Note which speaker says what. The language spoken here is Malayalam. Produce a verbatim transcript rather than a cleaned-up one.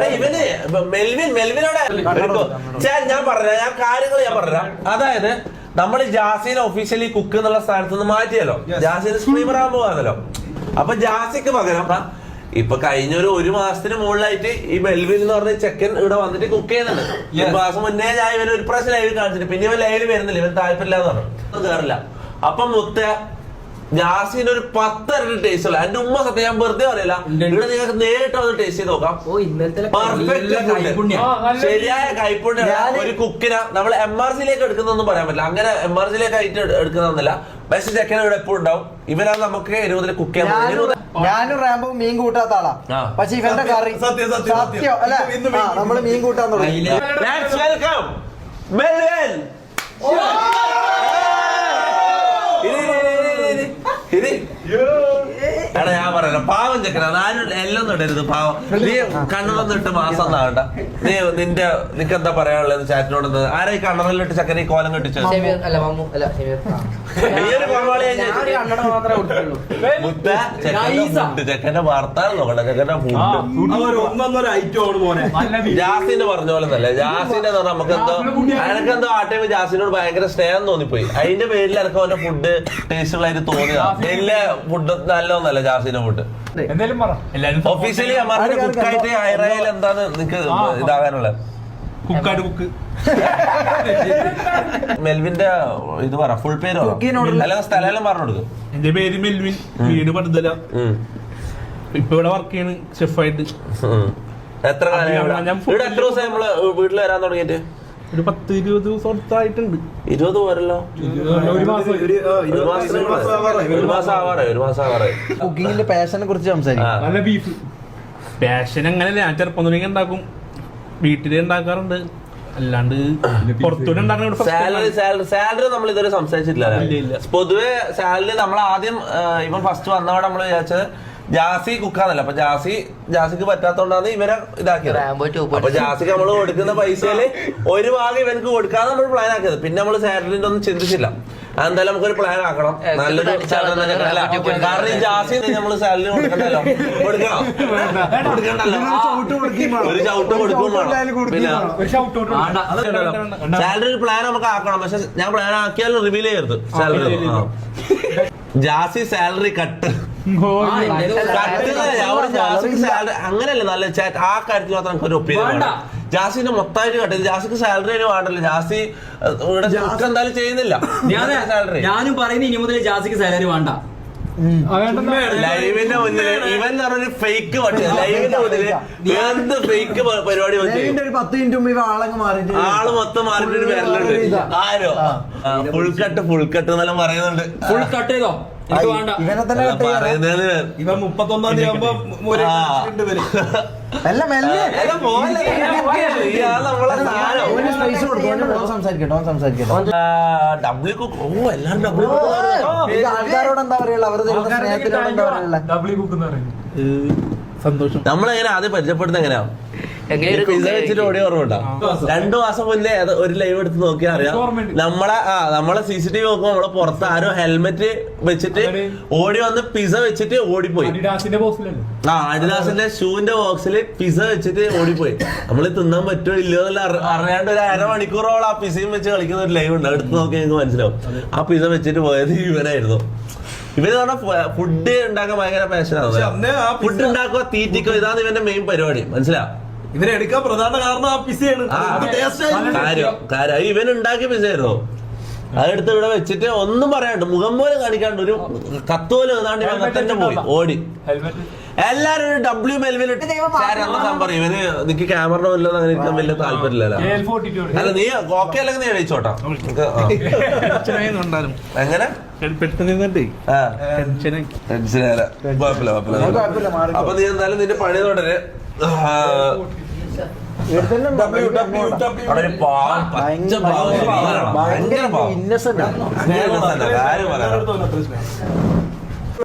Speaker 1: ഇവന് മെൽവിൻ മെൽവിനോടെ ഞാൻ പറഞ്ഞ ഞാൻ കാര്യങ്ങൾ ഞാൻ പറഞ്ഞ അതായത് നമ്മൾ ജാസിനെ ഒഫീഷ്യലി കുക്ക് എന്നുള്ള സ്ഥാനത്ത് നിന്ന് മാറ്റിയല്ലോ, ജാസിന് സ്ട്രീമർ ആകാൻ പോകാന്നല്ലോ. അപ്പൊ ജാസിക്ക് പകരം ഇപ്പൊ കഴിഞ്ഞ ഒരു ഒരു മാസത്തിന് മുകളിലായിട്ട് ഈ മെൽവിൻ എന്ന് പറഞ്ഞ ചെക്കൻ ഇവിടെ വന്നിട്ട് കുക്ക് ചെയ്യുന്നുണ്ട്. ഒരു മാസം മുന്നേ ഞാൻ ഇവൻ ഒരു പ്രാവശ്യം ലൈവിൽ കാണിച്ചിട്ട് പിന്നെ ഇവൻ ലൈവിൽ വരുന്നില്ല, ഇവൻ താല്പര്യമില്ല എന്ന് പറഞ്ഞു കേറില്ല. അപ്പം മുത്ത ജാസിന് ഒരു പത്തരട്ടി ടേസ്റ്റ് ഉള്ള എന്റെ ഉമ്മ സത്യം ഞാൻ വെറുതെ പറയില്ല, ഇവിടെ നിങ്ങൾക്ക് നേരിട്ട് വന്ന് ടേസ്റ്റ് ചെയ്ത് നോക്കാം. ശരിയായ കൈപ്പുണ്യ ഒരു കുക്കിനെ നമ്മൾ എം ആർ സിയിലേക്ക് എടുക്കുന്നൊന്നും പറയാൻ പറ്റില്ല, അങ്ങനെ എം ആർ സിയിലേക്ക് ആയിട്ട് എടുക്കുന്നൊന്നുമില്ല. ബെസ്റ്റ് ചെക്കൻ ഇവിടെ എപ്പോഴും ഉണ്ടാവും. ഇവനാ നമുക്ക് എരുപതിൽ കുക്ക് ചെയ്യാൻ.
Speaker 2: ഞാനും റാമ്പോ മീൻ കൂട്ടാത്ത ആളാ, പക്ഷെ ഇവന്റെ കറി സത്യം അല്ലെ നമ്മള് മീൻ കൂട്ടാൻ തുടങ്ങി.
Speaker 1: എടാ ഞാൻ പറയാ പാവം ചെക്കനാ, ഞാനും എല്ലാം ഇടരുത് പാവം. നീ കണ്ണറൊന്നും ഇട്ട് മാസം ഒന്നാവണ്ട. നീ നിന്റെ നിനക്ക് എന്താ പറയാനുള്ളത് ചാറ്റിനോട്? ആരാ ഈ കണ്ണറിലിട്ട് ചെക്കനെ ഈ കോലം കെട്ടിച്ചു? ചെക്കന്റെ വാർത്താനം നോക്കണ്ട, ചെക്കന്റെ ഫുഡ്. ജാസിന്റെ പറഞ്ഞ പോലെ തന്നെ ജാസിന്റെ എന്ന് പറഞ്ഞാൽ നമുക്ക് എന്തോ എനക്കെന്തോ ആ ടൈം ജാസിനോട് ഭയങ്കര സ്നേഹം തോന്നിപ്പോയി. അതിന്റെ പേരിൽ എനിക്ക് അവന്റെ ഫുഡ് ടേസ്റ്റുള്ളതായിട്ട് തോന്നിയതാ. വലിയ ഫുഡ് നല്ലതൊന്നല്ല ജാസിന്റെ ഫുഡ്. ഒഫീഷ്യലി അമ്മാരുടെ കുക്കായിട്ട് ഹൈറയിൽ എന്താണ് നിനക്ക് ഇതാകാനുള്ളത്? മെൽവിന്റെ ഇത് പറ, ഫുൾ പേര് അല്ലെങ്കിൽ സ്ഥലം പറഞ്ഞു കൊടുക്കും.
Speaker 3: എന്റെ പേര് മെൽവിൻ, വീട് പടുതല. ഇപ്പൊ ഇവിടെ വർക്ക് ചെയ്യണ് ഷെഫായിട്ട്.
Speaker 1: എത്ര കാലം ഇവിടെ? എത്ര ദിവസം നമ്മള് വീട്ടിൽ വരാൻ തുടങ്ങിയിട്ട്?
Speaker 3: ഒരു പത്ത് ഇരുപത് ദിവസം അടുത്തായിട്ടുണ്ട്.
Speaker 1: ഇരുപത് പോരല്ലോ,
Speaker 3: ഒരു മാസം
Speaker 1: ഒരു മാസം ആവാറേ ഒരു മാസം ആവാറേ
Speaker 2: കുക്കിങ്ങിന്റെ പാഷനെ കുറിച്ച് സംസാരിക്കും.
Speaker 3: നല്ല ബീഫ് പാഷൻ അങ്ങനെയല്ല, ഞാൻ ചെറുപ്പം തുടങ്ങി ഉണ്ടാക്കും, വീട്ടില് ഉണ്ടാക്കാറുണ്ട്, അല്ലാണ്ട് പുറത്തൂടെ ഉണ്ടാക്കുന്ന.
Speaker 1: സാലറി സാലറി സാലറി നമ്മൾ ഇതുവരെ സംസാരിച്ചിട്ടില്ല. പൊതുവെ സാലറി നമ്മൾ ആദ്യം ഇവൻ ഫസ്റ്റ് വന്നവിടെ നമ്മൾ വിചാരിച്ചത് ജാസി കുക്കാന്നല്ല. അപ്പൊ ജാസി ജാസിക്ക് പറ്റാത്തോണ്ടാണ് ഇവരെ ഇതാക്കിയത്. അപ്പൊ ജാസിക്ക് നമ്മൾ കൊടുക്കുന്ന പൈസയില് ഒരു ഭാഗം ഇവനക്ക് കൊടുക്കാതെ നമ്മൾ പ്ലാൻ ആക്കിയത്. പിന്നെ നമ്മൾ സാലറിന്റെ ഒന്നും ചിന്തിച്ചില്ല. എന്തായാലും നമുക്കൊരു പ്ലാൻ ആക്കണം, നല്ലൊരു സാലറി. കാരണം ഈ ജാസി നമ്മള് സാലറി കൊടുക്കണ്ടല്ലോ, കൊടുക്കണം കൊടുക്കണ്ടല്ലോ, ഒരു ചവിട്ട് കൊടുക്കും വേണം. പിന്നെ സാലറി ഒരു പ്ലാൻ നമുക്ക് ആക്കണം. പക്ഷെ ഞാൻ പ്ലാൻ ആക്കിയാലും റിവീൽ ചെയ്യരുത് സാലറി. ജാസി സാലറി കട്ട് അങ്ങനെയല്ല, നല്ല ചാറ്റ് ആ കാര്യത്തിൽ മാത്രം നമുക്ക് ഒരു ഒപ്പീനിയൻ. ജാസിന്റെ മൊത്തമായിട്ട് കട്ടത്. ജാസിക്ക് സാലറി അതിന് വേണ്ടല്ലോ, ജാസി ഇവിടെ എന്തായാലും ചെയ്യുന്നില്ല.
Speaker 4: ഞാനും പറയുന്നത് ഇനി മുതൽ ജാസിക്ക് സാലറി വേണ്ട.
Speaker 1: ലൈവിന്റെ മുന്നില് ഇവൻ പറഞ്ഞൊരു ഫേക്ക് പറ്റിയ ലൈവിന്റെ മുന്നില് എന്ത് ഫേക്ക് പരിപാടി
Speaker 2: പത്ത് മിനിറ്റ് മുമ്പ് ആളങ്ങ് മാറിയിട്ട്
Speaker 1: ആള് മൊത്തം മാറിയിട്ട് വരലുണ്ട്. ആരോ ഫുൾ കട്ട് ഫുൾ കട്ട് എന്നെല്ലാം പറയുന്നുണ്ട്.
Speaker 4: ഫുൾ കട്ട് ചെയ്തോ?
Speaker 2: ഇവനെ തന്നെ
Speaker 1: പറയുന്നത്
Speaker 3: ഇവൻ മുപ്പത്തൊന്നാം തീയതി ആകുമ്പോ
Speaker 1: ഡബ്ല്യു കുക്ക്. ഓ എല്ലാരും ഡബ്ല്യു
Speaker 2: ആൾക്കാരോട് എന്താ പറയുക, അവർ സ്നേഹത്തിനോട് എന്താ പറയുക?
Speaker 3: സന്തോഷം.
Speaker 1: നമ്മളെങ്ങനെ ആദ്യം പരിചയപ്പെടുന്നത് എങ്ങനെയാ? പിസ വെച്ചിട്ട് ഓടി ഓർമ്മ. രണ്ടു മാസം മുന്നേ ഒരു ലൈവ് എടുത്ത് നോക്കിയാൽ അറിയാം. നമ്മളെ ആ നമ്മളെ സി സി ടി വി നോക്കുമ്പോ നമ്മളെ പുറത്ത് ആരോ ഹെൽമെറ്റ് വെച്ചിട്ട് ഓടി വന്ന് പിസ വെച്ചിട്ട് ഓടിപ്പോയി. ആ അഡിഡാസിന്റെ ഷൂവിന്റെ ബോക്സിൽ പിസ വെച്ചിട്ട് ഓടിപ്പോയി. നമ്മള് തിന്നാൻ പറ്റുമോ ഇല്ലയോ എന്നല്ല അറിയാണ്ട് ഒരു അരമണിക്കൂറോളം ആ പിസയും വെച്ച് കളിക്കുന്ന ഒരു ലൈവ് ഉണ്ട്. എടുത്ത് നോക്കി നിങ്ങൾക്ക് മനസ്സിലാവും. ആ പിസ വെച്ചിട്ട് പോയത് ഇവനായിരുന്നു. ഇവര് പറഞ്ഞ ഫുഡ് ഉണ്ടാക്കാൻ ഭയങ്കര പാഷനാണ്. ഫുഡ് ഉണ്ടാക്കുക, തീറ്റിക്കോ, ഇതാണ് ഇവന്റെ മെയിൻ പരിപാടി. മനസ്സിലാ?
Speaker 3: ഇവരെടുക്കാൻ പ്രധാന കാരണം ആ പിസയാണ്.
Speaker 1: കാര്യം കാര്യം ഇവൻ ഉണ്ടാക്കിയ പിസയായിരുന്നോ? അതെടുത്ത് ഇവിടെ വെച്ചിട്ട് ഒന്നും പറയാണ്ട് മുഖം പോലും കാണിക്കാണ്ട് ഒരു കത്ത് പോലും ഏതാണ്ട് ഇവൻ തന്നെ പോയി ഓടി. എല്ലാരും ഒരു ഡബ്ല്യു മെൽവിലിട്ട് പറയും ഇവന് നിനക്ക് ക്യാമറ വല്ലതും അങ്ങനെ ഇരിക്കാൻ വലിയ താല്പര്യമില്ലല്ലോ. അല്ല നീ ഓക്കെ അല്ലെങ്കിൽ നീ കഴിച്ചോട്ടാ. എങ്ങനെ ടെൻഷനല്ല, കുഴപ്പമില്ല കുഴപ്പമില്ല. അപ്പൊ നീ എന്തായാലും നിന്റെ പണി തുടരെ.
Speaker 2: ഭയങ്കര ഇന്നസെന്റ്
Speaker 1: കാര്യം പറയാം.